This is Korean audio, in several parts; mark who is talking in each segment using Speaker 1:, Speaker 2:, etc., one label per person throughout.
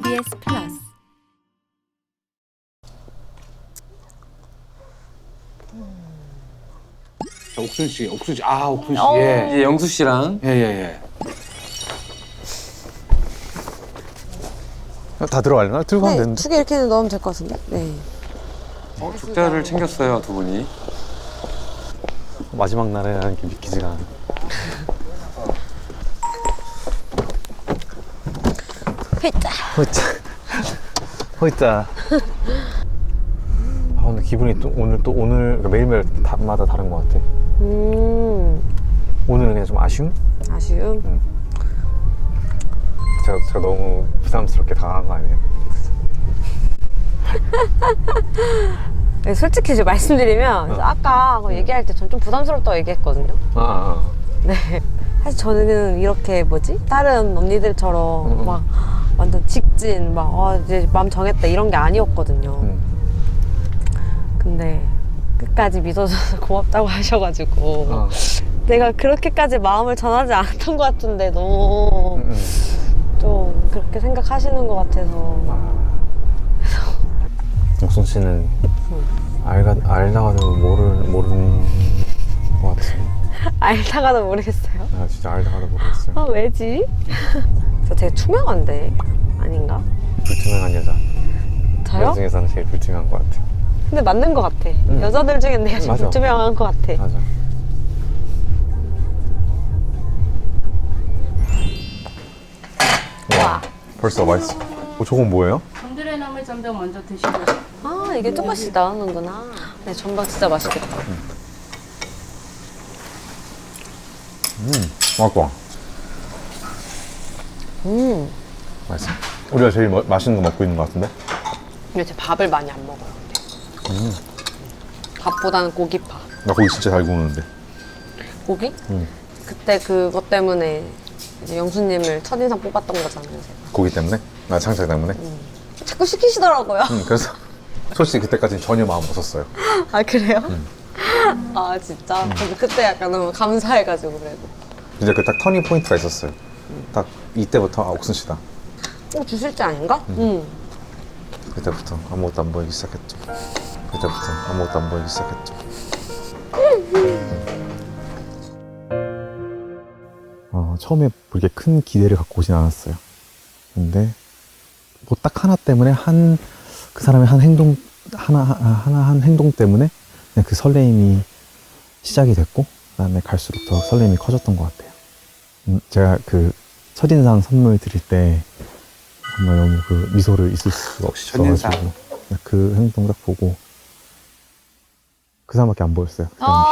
Speaker 1: KBS 플러스
Speaker 2: 자, 옥순 씨. 옥순 씨.
Speaker 3: 이제 영수 씨랑
Speaker 2: 예.
Speaker 4: 다 들어가려나? 들고 가면 되는데.
Speaker 5: 두 개 이렇게 넣으면 될 것 같은데? 네.
Speaker 3: 죽자를 챙겼어요, 두 분이.
Speaker 4: 마지막 날에라는 게 믿기지가 않아.
Speaker 5: 회짜.
Speaker 4: 허이짜. 아, 근데 기분이 또 오늘 그러니까 매일매일마다 다른 것 같아. 오늘은 그냥 좀 아쉬움?
Speaker 5: 아쉬움?
Speaker 4: 제가 너무 부담스럽게 당한 거 아니에요?
Speaker 5: 네, 솔직히 이제 말씀드리면 아까 얘기할 때 전 좀 부담스럽다고 얘기했거든요. 네. 사실 저는 이렇게 다른 언니들처럼 막 완전 직진 이제 마음 정했다 이런 게 아니었거든요. 근데 끝까지 믿어줘서 고맙다고 하셔가지고 내가 그렇게까지 마음을 전하지 않았던 것 같은데 너무 좀 그렇게 생각하시는 것 같아서.
Speaker 4: 옥순 씨는 알다가도 모르는 것 같아.
Speaker 5: 알다가도 모르겠어요.
Speaker 4: 아, 진짜 알다가도 모르겠어요.
Speaker 5: 아, 왜지? 저 되게 투명한데 아닌가?
Speaker 4: 불투명한 여자.
Speaker 5: 저요?
Speaker 4: 여자 중에서는 제일 불투명한 것 같아.
Speaker 5: 근데 맞는 것 같아. 여자들 중엔 내가 제일
Speaker 4: 맞아.
Speaker 5: 불투명한 것 같아.
Speaker 4: 맞아. 와, 벌써 맛있어. 저건 뭐예요?
Speaker 1: 곤드레 나물 전병 먼저 드시고
Speaker 5: 아, 이게 조금씩 나오는구나. 네, 전방 진짜 맛있겠다.
Speaker 4: 맛있다. 맛있어. 우리가 제일 맛있는 거 먹고 있는 것 같은데?
Speaker 5: 근데 제 밥을 많이 안 먹어요. 근데. 밥보다는 고기파.
Speaker 4: 나 고기 진짜 잘 구우는데.
Speaker 5: 고기? 그때 그것 때문에 이제 영수님을 첫인상 뽑았던 거잖아요. 제가.
Speaker 4: 고기 때문에? 나 창작 때문에?
Speaker 5: 자꾸 시키시더라고요.
Speaker 4: 그래서 솔직히 그때까지는 전혀 마음 없었어요.
Speaker 5: 아, 그래요? 아, 진짜? 그래서 그때 약간 너무 감사해가지고 그래도.
Speaker 4: 이제 그 딱 터닝 포인트가 있었어요. 딱 이때부터 옥순 씨다.
Speaker 5: 주실 때 아닌가?
Speaker 4: 그때부터 아무것도 안 보이기 시작했죠. 처음에 그렇게 큰 기대를 갖고 오진 않았어요. 근데 뭐 딱 하나 때문에 그 사람의 한 행동 한 행동 때문에 그냥 그 설레임이 시작이 됐고 그다음에 갈수록 더 설레임이 커졌던 것 같아요. 제가 그 첫인상 선물 드릴 때 정말 너무 그 미소를 있을 수가 없어가지고 그 행동 딱 보고 그 사람밖에 안 보였어요.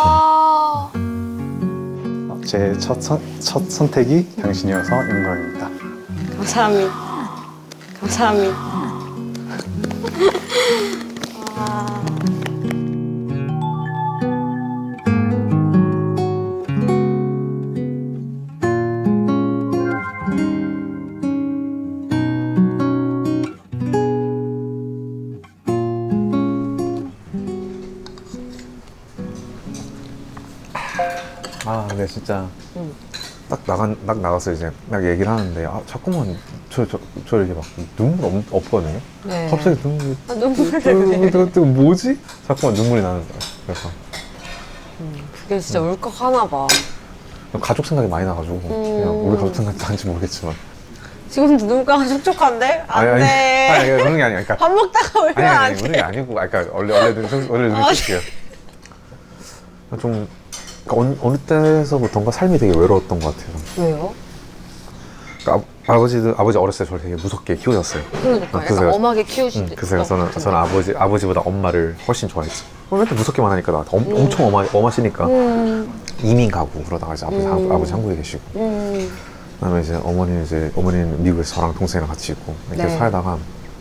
Speaker 4: 제 첫 선택이 당신이어서 영광입니다.
Speaker 5: 감사합니다.
Speaker 4: 근데 진짜 딱 나가서 이제 막 얘기를 하는데 자꾸만 저 이렇게 막 눈물 없거든요.
Speaker 5: 네.
Speaker 4: 갑자기 눈물이
Speaker 5: 눈물을
Speaker 4: 또 뭐지? 자꾸만 눈물이 나는 거야. 그래서
Speaker 5: 그게 진짜 울컥하나 봐.
Speaker 4: 가족 생각이 많이 나가지고 그냥 우리 가족 생각이 나는지 모르겠지만
Speaker 5: 지금도 눈가가 촉촉한데? 안 돼.
Speaker 4: 아니 그런 게 아니야. 그러니까
Speaker 5: 밥 먹다가 울면 안
Speaker 4: 그런
Speaker 5: 돼.
Speaker 4: 게 아니고 그러니까 원래 눈을 뜰게요. 좀 그러니까 어느 때서부턴가 삶이 되게 외로웠던 것 같아요.
Speaker 5: 왜요?
Speaker 4: 그러니까 아버지 어렸을 때 저를 되게 무섭게 키우셨어요.
Speaker 5: 그러니까 약간 엄하게 키우시죠.
Speaker 4: 그래서 저는 아버지보다 엄마를 훨씬 좋아했지. 맨날 무섭게만 하니까 나한테 엄청 엄하시니까 이민 가고 그러다가 이제 아버지 한국에 계시고 그다음에 이제 어머니는 미국에서 저랑 동생이랑 같이 있고 이렇게 살다가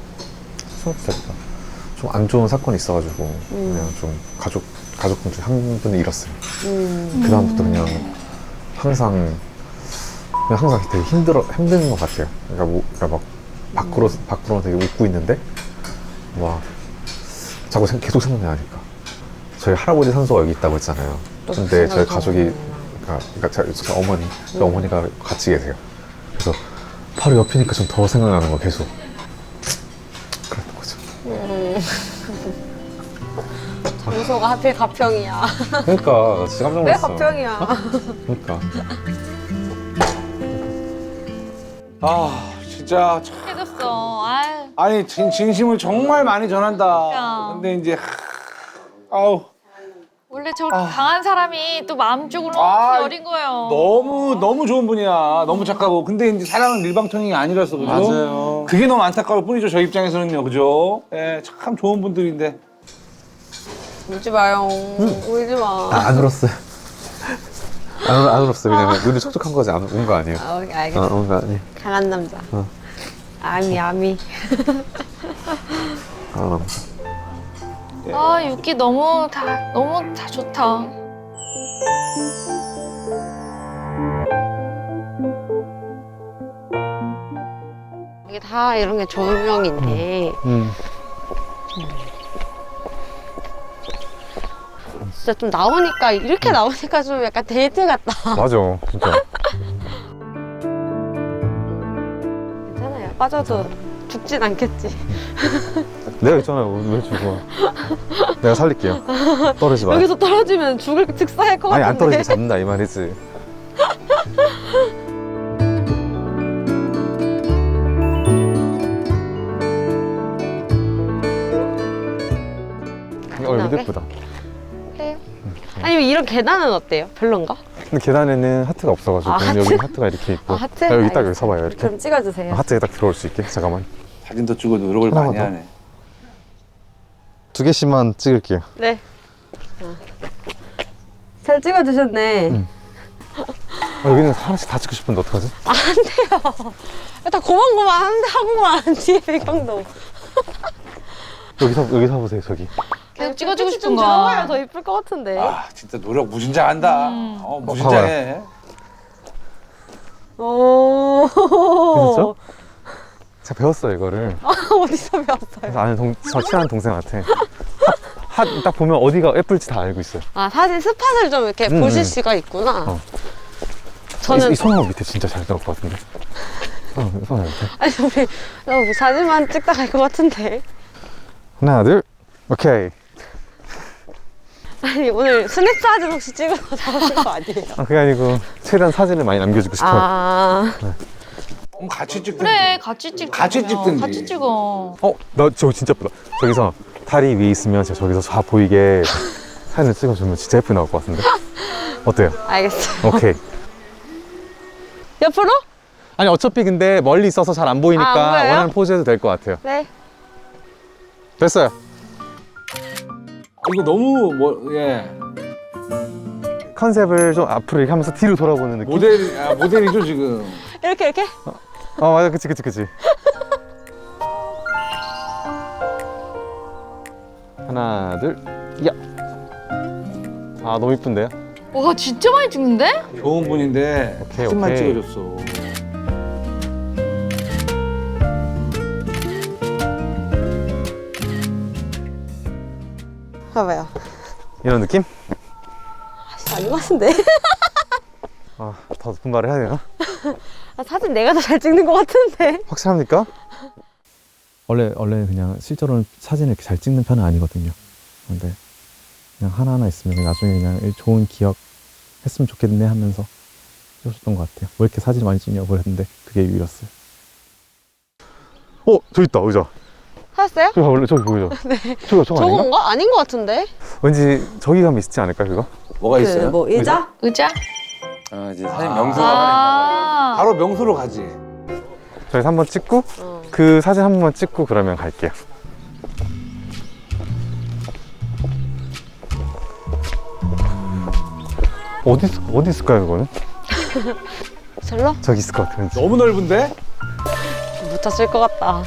Speaker 4: 좀 안 좋은 사건이 있어가지고 그냥 좀 가족분 중에 한 분을 잃었어요. 그 다음부터 그냥 항상 되게 힘든 것 같아요. 그러니까 막 밖으로 되게 웃고 있는데 자꾸 계속 생각나니까. 저희 할아버지 산소가 여기 있다고 했잖아요. 근데 저희 가족이 그러니까 저희 어머니가 같이 계세요. 그래서 바로 옆이니까 좀 더 생각나는 거 계속.
Speaker 5: 장소가 하필 가평이야.
Speaker 4: 그러니까 나 진짜 깜짝
Speaker 5: 왜
Speaker 4: 놀랐어.
Speaker 5: 가평이야?
Speaker 4: 그러니까.
Speaker 2: 아 진짜 참.
Speaker 1: 해줬어. 아유.
Speaker 2: 아니 진심을 정말 많이 전한다.
Speaker 1: 그러니까.
Speaker 2: 근데 이제 아우
Speaker 1: 원래 저렇게 강한 사람이 또 마음적으로
Speaker 2: 아,
Speaker 1: 너무 여린 거예요.
Speaker 2: 너무 좋은 분이야. 너무 착하고. 근데 이제 사랑은 일방통행이 아니라서 그죠?
Speaker 3: 맞아요.
Speaker 2: 그게 너무 안타까울 뿐이죠. 저 입장에서는요, 그죠? 예, 참 좋은 분들인데.
Speaker 5: 울지 마요. 울지 마.
Speaker 4: 안 울었어요. 안 울었어요. 그냥 눈이 촉촉한 거지. 안 운 거 아니에요.
Speaker 5: 아, 오케이, 알겠어.
Speaker 4: 운 거 아니에요.
Speaker 5: 강한 남자. 아미.
Speaker 1: 아 육기 너무 다 좋다.
Speaker 5: 이게 다 이런 게 조명인데 진짜 좀 나오니까 이렇게 나오니까 좀 약간 데이트 같다.
Speaker 4: 맞아, 진짜.
Speaker 5: 괜찮아요. 빠져도 죽진 않겠지.
Speaker 4: 내가 있잖아요. 왜 죽어? 내가 살릴게요. 떨어지지 마.
Speaker 5: 여기서 떨어지면 죽을 즉사할 것
Speaker 4: 아니,
Speaker 5: 같은데.
Speaker 4: 안 떨어지게 잡는다 이 말이지. 여기 예쁘다.
Speaker 5: 해요? 아니면 이런 계단은 어때요? 별론가?
Speaker 4: 근데 계단에는 하트가 없어가지고
Speaker 5: 하트?
Speaker 4: 여기 하트가 이렇게 있고.
Speaker 5: 아, 하트?
Speaker 4: 여기 딱 여기
Speaker 5: 알겠어요.
Speaker 4: 서봐요. 이렇게.
Speaker 5: 그럼 찍어주세요.
Speaker 4: 하트에 딱 들어올 수 있게. 잠깐만.
Speaker 2: 사진도 찍고 노력을
Speaker 4: 하나만
Speaker 2: 많이
Speaker 4: 더.
Speaker 2: 하네.
Speaker 4: 2개씩만 찍을게요.
Speaker 5: 네. 잘 찍어주셨네.
Speaker 4: 여기는 하나씩 다 찍고 싶은데 어떡하지?
Speaker 5: 안 돼요. 다 고만고만한데 하고만 뒤에 배경도.
Speaker 4: 여기 서보세요. 저기.
Speaker 1: 계속 찍어주고
Speaker 5: 좀
Speaker 1: 싶은
Speaker 5: 들어가야
Speaker 1: 거야.
Speaker 5: 더 이쁠 것 같은데.
Speaker 2: 아, 진짜 노력 무진장한다. 무진장해.
Speaker 5: 오.
Speaker 4: 그렇죠? 제가 배웠어요 이거를.
Speaker 5: 어디서 배웠어요?
Speaker 4: 그래서 아는 저 친한 동생한테 딱 보면 어디가 예쁠지 다 알고 있어요.
Speaker 5: 아, 사진 스팟을 좀 이렇게 보실 수가 있구나. 저는
Speaker 4: 이 손목 밑에 진짜 잘 들어올 것 같은데. 손목 밑에.
Speaker 5: 아니 우리 사진만 찍다 갈 것 같은데.
Speaker 4: 하나, 둘, 오케이.
Speaker 5: 아니 오늘 스냅 사진 혹시 찍어서 나오신 거 아니에요?
Speaker 4: 그게 아니고 최대한 사진을 많이 남겨주고 싶어요.
Speaker 5: 아,
Speaker 2: 그럼 같이 찍든지.
Speaker 1: 그래 같이 찍.
Speaker 2: 같이 찍든지.
Speaker 1: 같이 찍어.
Speaker 4: 나 저거 진짜 예쁘다. 저기서 다리 위에 있으면 제가 저기서 다 보이게 사진을 찍어주면 진짜 예쁘게 나올 것 같은데. 어때요?
Speaker 5: 알겠어요.
Speaker 4: 오케이.
Speaker 5: 옆으로?
Speaker 4: 아니 어차피 근데 멀리 있어서 잘 안 보이니까
Speaker 5: 안 보여요?
Speaker 4: 원하는 포즈 해도 될 것 같아요.
Speaker 5: 네.
Speaker 4: 됐어요.
Speaker 2: 이거 너무 예.
Speaker 4: 컨셉을 좀 앞으로 이렇게 하면서 뒤로 돌아보는 느낌?
Speaker 2: 모델이죠 지금.
Speaker 5: 이렇게.
Speaker 4: 맞아. 그치. 하나, 둘, 야. 너무 이쁜데요?
Speaker 1: 와 진짜 많이 찍는데?
Speaker 2: 좋은 분인데
Speaker 4: 오케이,
Speaker 2: 사진만
Speaker 4: 오케이.
Speaker 2: 찍어줬어.
Speaker 5: 봐봐요.
Speaker 4: 이런 느낌?
Speaker 5: 아닌 것 같은데?
Speaker 4: 더 높은 말을 해야 되나?
Speaker 5: 사진 내가 더 잘 찍는 것 같은데?
Speaker 4: 확실합니까? 원래 그냥 실제로는 사진을 이렇게 잘 찍는 편은 아니거든요. 근데 그냥 하나하나 있으면 나중에 그냥 좋은 기억 했으면 좋겠네 하면서 찍어줬던 것 같아요. 왜 이렇게 사진 많이 찍냐고 그랬는데 그게 이유였어요. 저기 있다 의자.
Speaker 5: 찾았어요?
Speaker 4: 저기 보이죠? 네. 저거 아닌가?
Speaker 5: 저건가? 아닌 것 같은데?
Speaker 4: 왠지 저기 가면 있지 않을까 그거?
Speaker 2: 뭐가 있어요?
Speaker 5: 뭐 의자?
Speaker 1: 의자?
Speaker 3: 이제 사진 명소가
Speaker 1: 아.
Speaker 2: 바로 명소로 가지.
Speaker 4: 저기서 한번 찍고 그 사진 한 번만 찍고 그러면 갈게요. 어디 있을까요 그거는?
Speaker 5: 절로?
Speaker 4: 저기 있을 것 같아요. 왠지.
Speaker 2: 너무 넓은데?
Speaker 5: 못 찾을 것 같다.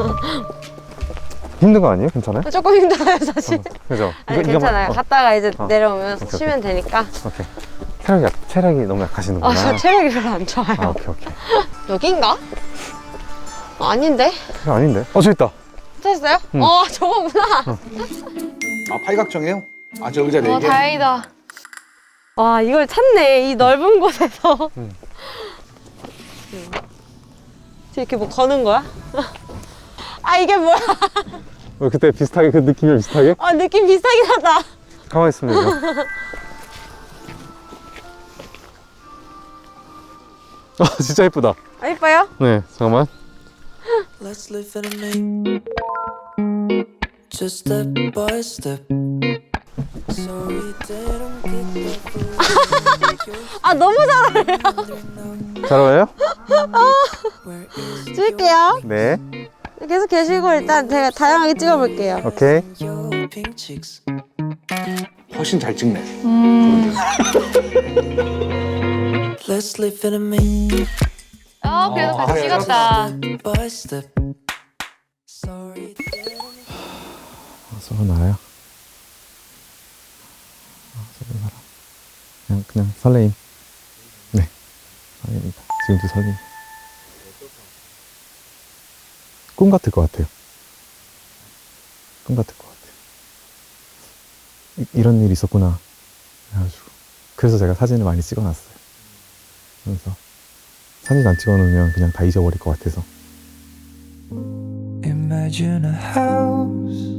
Speaker 4: 힘든 거 아니에요? 괜찮아요?
Speaker 5: 조금 힘들어요 사실.
Speaker 4: 그죠?
Speaker 5: 아니 괜찮아요. 갔다가 이제 내려오면
Speaker 4: 오케이.
Speaker 5: 쉬면 되니까.
Speaker 4: 오케이. 체력이 너무 약하시는구나.
Speaker 5: 저 체력이 별로 안 좋아요.
Speaker 4: 오케이.
Speaker 5: 여긴가? 아닌데?
Speaker 4: 아닌데? 저기 있다.
Speaker 5: 찾았어요? 저거구나.
Speaker 2: 팔각정이에요? 저 의자
Speaker 1: 와
Speaker 2: 4개?
Speaker 1: 다행이다.
Speaker 5: 와 이걸 찾네. 이 넓은 곳에서. 이렇게 뭐 거는 거야? 이게 뭐야?
Speaker 4: 그때 비슷하게 그 느낌이 비슷하게?
Speaker 5: 느낌 비슷하긴 하다.
Speaker 4: 가만히 있으면 되죠. 진짜 예쁘다.
Speaker 5: 이뻐요?
Speaker 4: 네, 잠깐만.
Speaker 6: Let's live in a make just step by step. Sorry that I'm getting
Speaker 5: 너무 잘해.
Speaker 4: 잘 어울려요?
Speaker 6: where is
Speaker 5: 찍을게요.
Speaker 4: 네.
Speaker 5: 계속 계시고 일단 제가 다양하게 찍어볼게요.
Speaker 4: 오케이.
Speaker 6: your pink cheeks?
Speaker 2: 훨씬 잘 찍네.
Speaker 6: Let's live in a make
Speaker 1: 그래도 같이 찍었다.
Speaker 6: step by step. Sorry that
Speaker 4: 서로 나요. 서로 나라. 그냥 설레임. 네. 설레입니다. 지금도 설레임. 꿈 같을 것 같아요. 꿈 같을 것 같아요. 이런 일이 있었구나. 그래가지고. 그래서 제가 사진을 많이 찍어놨어요. 그래서 사진 안 찍어놓으면 그냥 다 잊어버릴 것 같아서.
Speaker 6: Imagine a house